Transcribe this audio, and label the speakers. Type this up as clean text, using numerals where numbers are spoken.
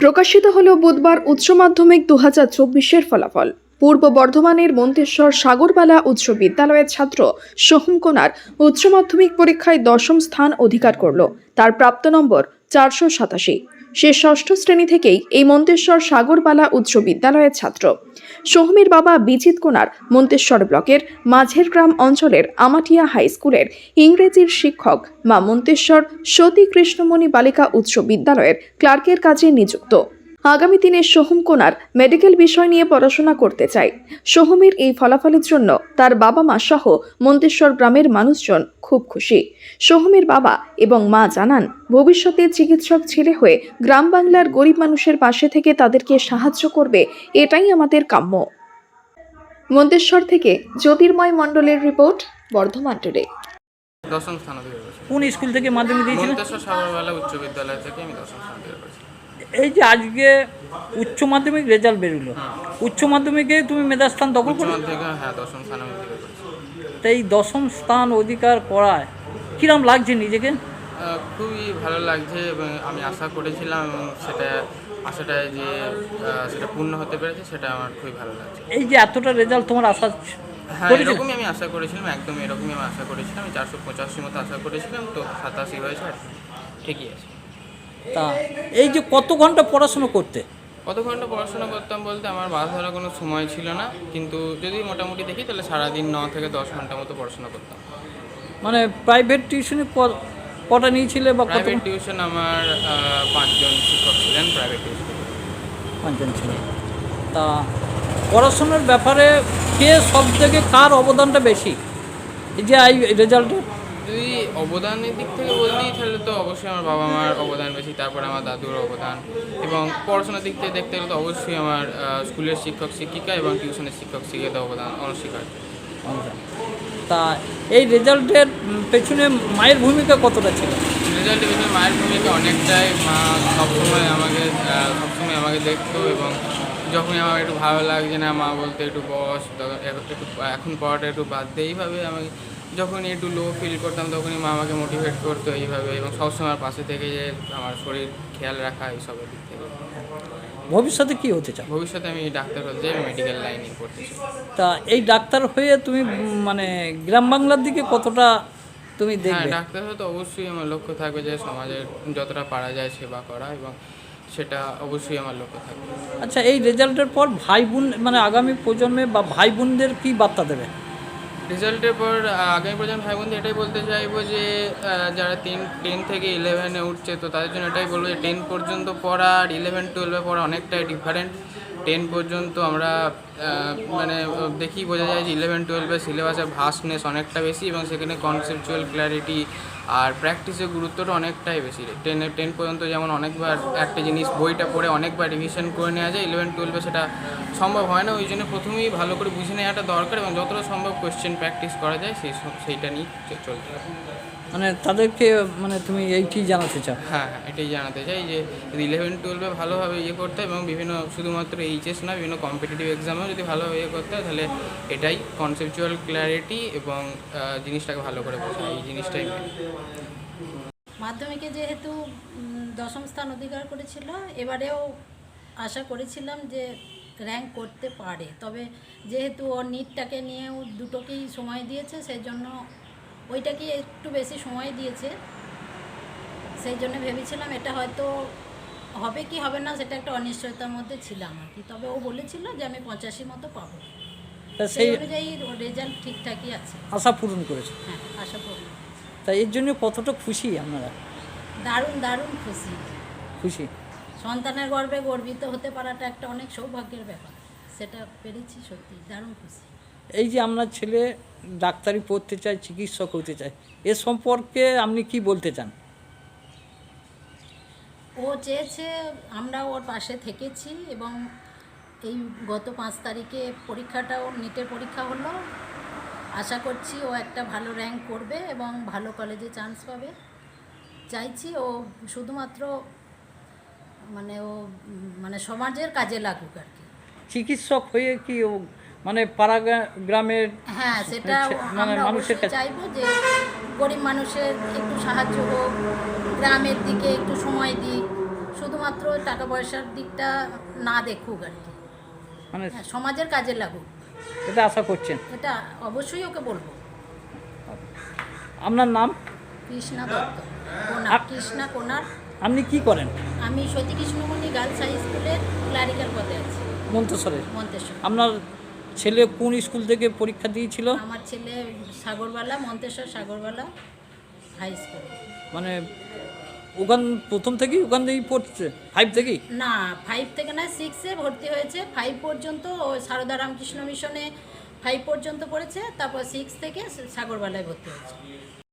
Speaker 1: প্রকাশিত হল বুধবার উচ্চ মাধ্যমিক 2024-এর ফলাফল। পূর্ব বর্ধমানের মন্তেশ্বর সাগরবালা উচ্চ বিদ্যালয়ের ছাত্র সোহম কোনার উচ্চ মাধ্যমিক পরীক্ষায় 10ম স্থান অধিকার করল। তার প্রাপ্ত নম্বর 487। সে ষষ্ঠ শ্রেণী থেকেই এই মন্তেশ্বর সাগরবালা উচ্চ বিদ্যালয়ের ছাত্র। সোহমের বাবা বিজিত কোনার মন্তেশ্বর ব্লকের মাঝের গ্রাম অঞ্চলের আমাটিয়া হাই স্কুলের ইংরেজির শিক্ষক, মা মন্তেশ্বর সতী কৃষ্ণমণি বালিকা উচ্চ বিদ্যালয়ের ক্লার্কের কাজে নিযুক্ত। আগামী দিনে সোহম কোনার মেডিকেল বিষয় নিয়ে পড়াশোনা করতে চায়। সোহমের এই ফলাফলের জন্য তার বাবা মা সহ মন্তেশ্বর গ্রামের মানুষজন খুব খুশি। সোহমের বাবা এবং মা জানান, ভবিষ্যতে চিকিৎসক ছেলে হয়ে গ্রাম বাংলার গরিব মানুষের পাশে থেকে তাদেরকে সাহায্য করবে, এটাই আমাদের কাম্য। মন্তেশ্বর থেকে জ্যোতির্ময় মণ্ডলের রিপোর্ট, বর্ধমান টুডে।
Speaker 2: 10ম স্থান অধিকার করেছি।
Speaker 3: কোন স্কুল থেকে মাধ্যমিক দিয়েছিলেন?
Speaker 2: মন্তেশ্বর সাগরবালা উচ্চ বিদ্যালয় থেকে আমি 10ম স্থান অধিকার করেছি।
Speaker 3: এই যে আজকে উচ্চ মাধ্যমিক রেজাল্ট বেরোলো, উচ্চ মাধ্যমিকে তুমি মেধাস্থান দখল
Speaker 2: উচ্চ
Speaker 3: করো।
Speaker 2: মাধ্যমিকে 10ম স্থান আমি অধিকার করেছি।
Speaker 3: তো এই 10ম স্থান অধিকার করায় কিরম লাগছে নিজেকে?
Speaker 2: খুবই ভালো লাগছে এবং আমি আশা করেছিলাম এবং আশাটা যে সেটা পূর্ণ হতে পেরেছে, সেটা আমার খুবই ভালো লাগছে।
Speaker 3: এই যে এতটা রেজাল্ট তোমার আশা
Speaker 2: হ্যাঁ,
Speaker 3: করেছিলে?
Speaker 2: এরকমই আমি আশা করেছিলাম, একদম এরকমই আমি আশা করেছিলাম। আমি 485 মতো আশা করেছিলাম, তো 87 হয়েছে, আর ঠিকই আছে।
Speaker 3: তা এই যে কত ঘন্টা পড়াশুনো করতে?
Speaker 2: কত ঘন্টা পড়াশোনা করতাম বলতে আমার বাধা ধরার কোনো সময় ছিল না, কিন্তু যদি মোটামুটি দেখি তাহলে সারাদিন 9 থেকে 10 ঘন্টা মতো পড়াশোনা করতাম।
Speaker 3: মানে প্রাইভেট টিউশনে কটা নিয়েছিলে বা কত?
Speaker 2: প্রাইভেট টিউশন আমার 5 জন শিক্ষক ছিলেন প্রাইভেট টিউশন।
Speaker 3: 5 জন ছিল। তা পড়াশোনার ব্যাপারে কে সব থেকে কার অবদানটা বেশি এই যে এই রেজাল্টে?
Speaker 2: যদি অবদানের দিক থেকে বলতেই তাহলে তো অবশ্যই আমার বাবা মার অবদান বেশি, তারপরে আমার দাদুর অবদান, এবং পড়াশোনার দিক থেকে দেখতে গেলে তো অবশ্যই আমার স্কুলের শিক্ষক শিক্ষিকা এবং টিউশনের শিক্ষক শিক্ষিকাদের অবদান অনস্বীকার্য।
Speaker 3: তা এই রেজাল্টের পেছনে মায়ের ভূমিকা কতটা ছিল?
Speaker 2: রেজাল্টের বিষয়ে মায়ের ভূমিকা অনেকটাই। মা সবসময় আমাকে দেখতো, এবং যখনই আমার একটু ভালো লাগছে না, মা বলতে একটু বস, একটু এখন পড়াটা একটু বাদ দে, এইভাবে আমি যখনই একটু লো ফিল করতাম তখনই মা আমাকে মোটিভেট করতো এইভাবে, এবং সবসময় আমার পাশে থেকে যে আমার শরীর খেয়াল রাখা এইসবের দিক থেকে।
Speaker 3: ভবিষ্যতে কি হতে চাও?
Speaker 2: ভবিষ্যতে আমি ডাক্তার হতে চাই, আমি মেডিকেল লাইনে পড়তে চাই।
Speaker 3: তা এই ডাক্তার হয়ে তুমি মানে গ্রাম বাংলার দিকে কতটা তুমি
Speaker 2: হ্যাঁ,
Speaker 3: দেখবে?
Speaker 2: ডাক্তার হয়ে তো অবশ্যই আমার লক্ষ্য থাকবে যে সমাজের যতটা পারা যায় সেবা করা, এবং সেটা অবশ্যই আমার লক্ষ্য থাকবে।
Speaker 3: আচ্ছা, এই রেজাল্টের পর ভাই বোন মানে আগামী প্রজন্মে বা ভাই বোনদের কি বার্তা দেবে?
Speaker 2: রেজাল্টের পর আগামী প্রজন্ম ভাই বোনদের এটাই বলতে চাইবো যে যারা 10 থেকে 11-এ উঠছে, তো তাদের জন্য এটাই বলবো যে 10 পর্যন্ত পড়া আর 11-12-এ পড়া অনেকটাই ডিফারেন্ট। 10 পর্যন্ত আমরা মানে দেখি বোঝা যায় যে 11-12-এর সিলেবাসের ভাস্টনেস অনেকটা বেশি, এবং সেখানে কনসেপচুয়াল ক্ল্যারিটি আর প্র্যাকটিসের গুরুত্বটা অনেকটাই বেশি। 10 পর্যন্ত যেমন অনেকবার একটা জিনিস বইটা পড়ে অনেকবার রিভিশন করে নেওয়া যায়, 11-12-এ সেটা সম্ভব হয় না। ওই জন্য প্রথমেই ভালো করে বুঝে নেওয়াটা দরকার, এবং যতটা সম্ভব কোয়েশ্চেন প্র্যাকটিস করা যায় সেইটা নিয়ে চলতে হবে।
Speaker 3: মানে তাদেরকে মানে তুমি এইটি জানাতে চাও?
Speaker 2: হ্যাঁ, এটাই জানাতে চাই যে যদি 11-12-এ ভালোভাবে করতে হয়, এবং বিভিন্ন শুধুমাত্র এইচএস না, বিভিন্ন কম্পিটিটিভ এক্সামেও যদি ভালোভাবে করতে হয়, তাহলে এটাই কনসেপচুয়াল ক্ল্যারিটি এবং জিনিসটাকে ভালো করে বোঝা, এই জিনিসটাই মেন।
Speaker 4: মাধ্যমিকে যেহেতু 10ম স্থান অধিকার করেছিল, এবারেও আশা করেছিলাম যে র্যাঙ্ক করতে পারে, তবে যেহেতু ও নিটটাকে নিয়েও দুটোকেই সময় দিয়েছে, সেই জন্য ওইটাকে একটু বেশি সময় দিয়েছে। সেই জন্য ভেবেছিলাম এটা হয়তো হবে কি হবে না, সেটা একটা অনিশ্চয়তার মধ্যে ছিলাম আর কি। তবে ও বলেছিল যে আমি 85 মতো পাবো,
Speaker 3: তা
Speaker 4: সেই
Speaker 3: সেই
Speaker 4: অনুযায়ী রেজাল্ট ঠিকঠাকই আছে।
Speaker 3: আশা পূরণ করেছে।
Speaker 4: হ্যাঁ, আশা করি।
Speaker 3: তাই এর জন্য কতটা খুশি আপনারা?
Speaker 4: দারুণ দারুণ খুশি।
Speaker 3: খুশি।
Speaker 4: সন্তানের গর্বে গর্বিত হতে পারাটা একটা অনেক সৌভাগ্যের ব্যাপার, সেটা পেরেছি, সত্যি দারুণ খুশি।
Speaker 3: এই যে আপনার ছেলে ডাক্তারি পড়তে চায়, চিকিৎসক হতে চায়, এ সম্পর্কে আপনি কি বলতে চান?
Speaker 4: ও চেয়েছে, আমরা ওর পাশে থেকেছি, এবং এই গত 5 তারিখে পরীক্ষাটাও নিটের পরীক্ষা হলো। আশা করছি ও একটা ভালো র্যাঙ্ক করবে এবং ভালো কলেজে চান্স পাবে। চাইছি ও শুধুমাত্র মানে সমাজের কাজে লাগুক আর কি।
Speaker 3: চিকিৎসক হয়ে কি ও মানে পাড়া গ্রামের
Speaker 4: হ্যাঁ, সেটা
Speaker 3: মানে
Speaker 4: আমরা
Speaker 3: মানুষের
Speaker 4: অবশ্যই
Speaker 3: কাছে
Speaker 4: চাইবো যে গরিব মানুষের একটু সাহায্য হোক, গ্রামের দিকে একটু সময় দিক। শুধুমাত্র শুধুমাত্র টাকা পয়সার দিকটা না দেখুক আর কি,
Speaker 3: মানে
Speaker 4: হ্যাঁ, সমাজের কাজে লাগুক,
Speaker 3: এটা আশা করছেন।
Speaker 4: এটা অবশ্যই ওকে বলবো।
Speaker 3: আপনার নাম?
Speaker 4: কৃষ্ণা দত্ত, কোনার, কৃষ্ণা কোনার।
Speaker 3: আপনি কি করেন?
Speaker 4: আমি সতী কৃষ্ণমণি গার্লস হাই স্কুলের ক্লারিক্যাল পদে আছি,
Speaker 3: মন্তেশ্বরের।
Speaker 4: মন্তেশ্বর।
Speaker 3: আপনার ছেলে কোন স্কুল থেকে পরীক্ষা দিয়েছিল?
Speaker 4: আমার ছেলে সাগরবালা, মন্তেশ্বর সাগরবালা হাই স্কুল।
Speaker 3: মানে ওখান প্রথম থেকেই ওখান থেকেই পড়ছে, 5 থেকেই?
Speaker 4: না, 5 থেকে না, 6-এ ভর্তি হয়েছে। 5 পর্যন্ত ও সারদা রামকৃষ্ণ মিশনে 5 পর্যন্ত পড়েছে, তারপর 6 থেকে সাগরবালায় ভর্তি হয়েছে।